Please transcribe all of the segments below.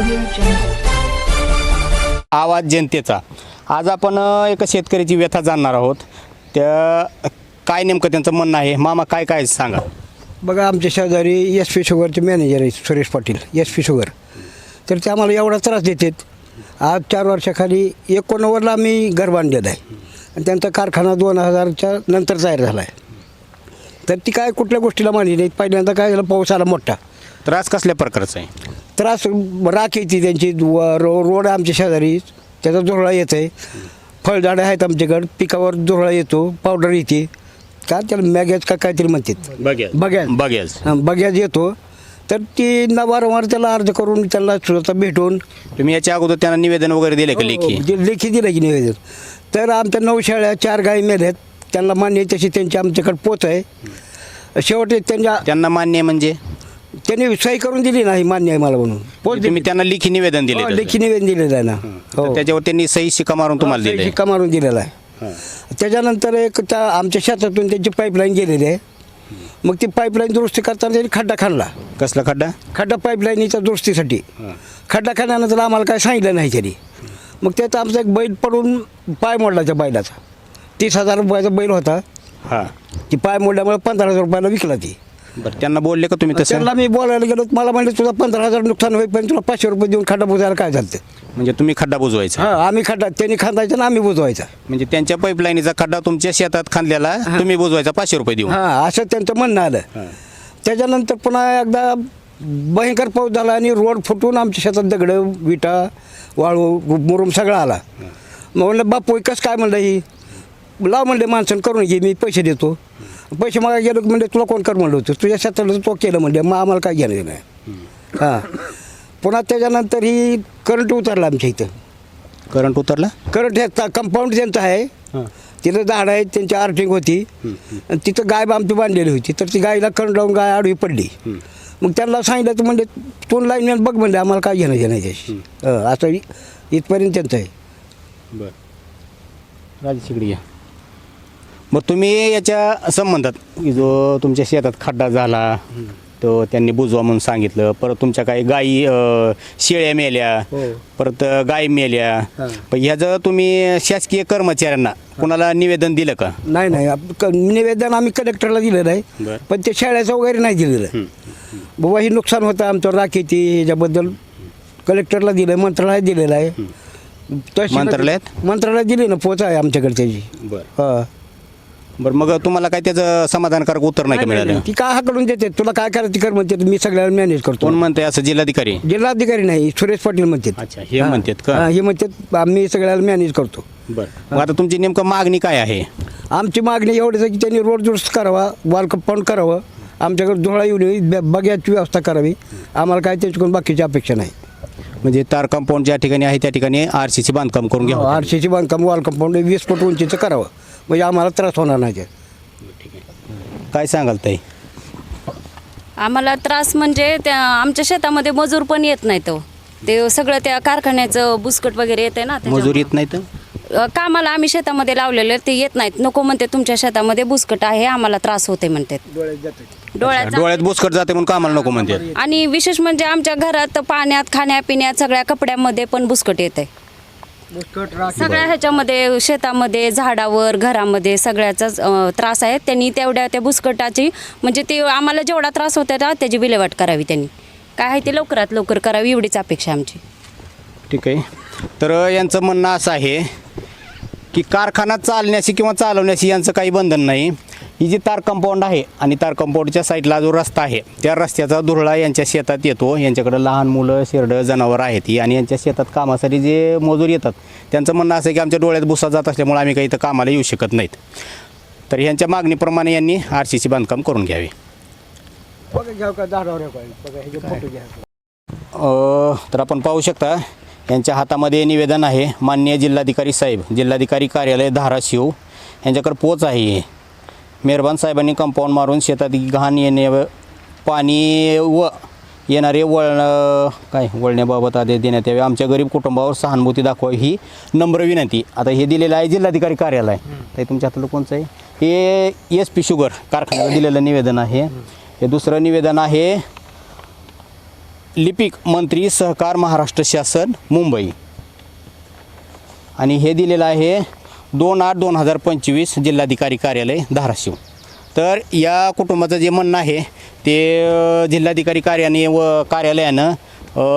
आवाज जनतेचा. आज आपण एका शेतकऱ्याची व्यथा जाणणार आहोत. त्या काय नेमकं त्यांचं म्हणणं आहे. मामा काय काय सांगा. बघा, आमच्या शेजारी एस पी शुगरचे मॅनेजर आहेत Suresh Patil, S P sugar. तर ते आम्हाला एवढा त्रास देतात. आज 4 वर्षाखाली 1990ला आम्ही घर बांधलेलं आहे आणि त्यांचा कारखाना 2000च्या नंतर तयार झाला आहे. तर ती काय कुठल्या गोष्टीला मानली नाही. पहिल्यांदा काय झालं, पाऊस आला मोठा. त्रास कसल्या प्रकारचा आहे. त्रास राख येते त्यांची. रोड आमच्या शेजारी, त्याचा धुरळा येत आहे. फळझाडं आहेत आमच्याकडं, पिकावर धुरळा येतो, पावडर येते. का त्याला मॅगॅज का काहीतरी म्हणतात, बग्याज येतो. तर ती वारंवार त्याला अर्ज करून त्याला स्वतः भेटून. तुम्ही याच्या अगोदर त्यांना निवेदन वगैरे दिले का लेखी? लेखी दिलं की निवेदन. तर आमच्या 9 शेळ्या 4 गायी मेल्यात. त्यांना मान्य आहे तशी त्यांची आमच्याकडे पोच आहे. शेवटी त्यांना मान्य आहे म्हणजे त्यांनी सही करून दिली नाही, मान्य आहे मला म्हणून. पोच तुम्ही त्यांना लेखी निवेदन दिले? लेखी निवेदन दिलेलं आहे ना. हो, त्याच्यावर त्यांनी सही शिक्का मारून तुम्हाला दिले? शिक्का मारून दिलेला आहे. त्याच्यानंतर एक आमच्या शेतातून त्यांची पाईपलाईन गेलेली आहे. मग ती पाईपलाईन दुरुस्ती करताना त्यांनी खड्डा खाणला. कसला खड्डा? खड्डा पाईपलाईनीच्या दुरुस्तीसाठी. खड्डा खाण्यानंतर आम्हाला काय सांगितलं नाही तरी. मग त्यात आमचा एक बैल पडून पाय मोडला त्या बैलाचा. 30,000 रुपयाचा बैल होता. हां, ती पाय मोडल्यामुळे 15,000 रुपयाला विकला ती. बरं, त्यांना बोलले का तुम्ही तसं? त्यांना मी बोलायला गेलो. मला म्हणले तुझा 15,000 नुकसान होईल, पण तुला 500 रुपये देऊन खड्डा बुजवायला काय झालं. म्हणजे तुम्ही खड्डा बुजवायचा? हां, आम्ही खड्डा त्यांनी खांदायचा ना आम्ही बुजवायचा. म्हणजे त्यांच्या पाईपलाईनीचा खड्डा तुमच्या शेतात खांदलेला तुम्ही बुजवायचा 500 रुपये देऊन? हां, असं त्यांचं म्हणणं आलं. त्याच्यानंतर पुन्हा एकदा भयंकर पाऊस झाला आणि रोड फुटून आमच्या शेतात दगडं, विटा, वाळू, मुरुम सगळा आला. मग म्हणलं बापू कसं काय म्हणलं, ही लाव म्हणले माणसं करून घे, मी पैसे देतो. पैसे मागा गेलो म्हणजे तुला कोण कर म्हणलं होतं, तुझ्या शेताला तो केलं म्हणजे, मग आम्हाला काय घेणं नाही. हां, पुन्हा त्याच्यानंतर ही करंट उतरला आमच्या इथं. करंट उतरला? करंट ह्या कंपाऊंड त्यांचं आहे, तिथं झाड आहे, त्यांची आर्टिंग होती आणि तिथं गाय आमची बांधलेली होती. तर ती गायला करंट लावून गाय आडवी पडली. मग त्यांना सांगितलं तर म्हणजे तोंड लाईन बघ म्हणले, आम्हाला काय घेणं नाही त्याशी. असं इथपर्यंत त्यांचं आहे. बरं, राजशिकडी. मग तुम्ही याच्या संबंधात जो तुमच्या शेतात खड्डा झाला तो त्यांनी बुजवा म्हणून सांगितलं, परत तुमच्या काही गायी शेळ्या मेल्या, परत गायी मेल्या, पण ह्याचं तुम्ही शासकीय कर्मचाऱ्यांना कुणाला निवेदन दिलं का? नाही, निवेदन आम्ही कलेक्टरला दिलेलं आहे, पण ते शाळेचं वगैरे नाही दिलेलं आहे. बाबा हे नुकसान होतं आमचं, राख येते, ह्याच्याबद्दल कलेक्टरला दिलं आहे, मंत्रालयात दिलेलं आहे. मंत्रालयात दिली ना, पोच आहे आमच्याकडे त्याची. हां, बरं, मग तुम्हाला काय त्याचं समाधानकारक उत्तर नाही का मिळालं? ती काय हाकलून देते, तुला काय करायचं कर म्हणते, मी सगळ्याला मॅनेज करतो. कोण म्हणते असं? जिल्हाधिकारी नाही, सुरेश पाटील म्हणतात. अच्छा, हे म्हणतात का? हे म्हणतात आम्ही सगळ्याला मॅनेज करतो. बरं, मग आता तुमची नेमकं मागणी काय आहे? आमची मागणी एवढीच आहे की त्यांनी रोड दुरुस्त करावा, वॉल कंपाऊंड करावं, आमच्याकडे धुळा येऊन बग्याची व्यवस्था करावी. आम्हाला काय त्याच्याकडून बाकीची अपेक्षा नाही. म्हणजे तार कंपाऊंड ज्या ठिकाणी आहे त्या ठिकाणी RCC बांधकाम करून घ्यावं. RCC बांधकाम, वॉल कंपाऊंड 20 फूट उंचीचं करावं, म्हणजे आम्हाला त्रास होणार नाही. काय सांगाल ताई? आम्हाला त्रास म्हणजे त्या आमच्या शेतामध्ये मजूर पण येत नाही. ते सगळं त्या कारखान्याचं बुसकट वगैरे येते ना, मजूर येत नाही तर कामाला आम्ही शेतामध्ये लावलेले ते येत नाहीत. नको म्हणते, तुमच्या शेतामध्ये बुसकट आहे, आम्हाला त्रास होते म्हणतात. डोळ्यात बुसकट जाते म्हणून कामाला नको म्हणते. आणि विशेष म्हणजे आमच्या घरात पाण्यात, खाण्यापिण्यात, सगळ्या कपड्यामध्ये पण बुसकट येते. सगळ्या ह्याच्यामध्ये, शेतामध्ये, झाडावर, घरामध्ये सगळ्याचाच त्रास आहे. त्यांनी तेवढ्या त्या बुसकटाची म्हणजे ते आम्हाला जेवढा त्रास होता ना त्याची विल्हेवाट करावी. त्यांनी काय आहे ते लवकरात लवकर करावी, एवढीच अपेक्षा आमची. ठीक आहे. तर यांचं म्हणणं असं आहे की कारखाना चालण्याशी किंवा चालवण्याशी यांचं काही बंधन नाही. ही जी तार कंपाऊंड आहे आणि तार कंपाऊंडच्या साईडला जो रस्ता आहे त्या रस्त्याचा धुरळा यांच्या शेतात येतो. यांच्याकडं लहान मुलं, शेरडं, जनावर आहेत ही, आणि यांच्या शेतात कामासाठी जे मजूर येतात त्यांचं म्हणणं असं आहे की आमच्या डोळ्यात भुसा जात असल्यामुळे आम्ही काही इथं कामाला येऊ शकत नाहीत. तर यांच्या मागणीप्रमाणे यांनी RCC बांधकाम करून घ्यावे. तर आपण पाहू शकता यांच्या हातामध्ये निवेदन आहे. माननीय जिल्हाधिकारी साहेब, जिल्हाधिकारी कार्यालय धाराशिव यांच्याकडे पोच आहे. मेहरबान साहेबांनी कंपाऊंड मारून शेतात घाण येणे, पाणी व येणारे वळण्याबाबत आदेश देण्यात यावे. आमच्या गरीब कुटुंबावर सहानुभूती दाखवा ही नम्र विनंती. आता हे दिलेलं आहे जिल्हाधिकारी कार्यालय. ते तुमच्या हाताला कोणचं आहे? हे SP शुगर कारखान्याला दिलेलं निवेदन आहे. हे दुसरं निवेदन आहे लिपिक मंत्री सहकार महाराष्ट्र शासन मुंबई आणि हे दिलेलं आहे 2/8/2025 जिल्हाधिकारी कार्यालय धाराशिव. तर या कुटुंबाचं जे म्हणणं आहे ते जिल्हाधिकारी कार्यालयानं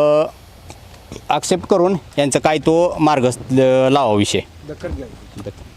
ॲक्सेप्ट करून यांचं काय तो मार्ग लावा विषय.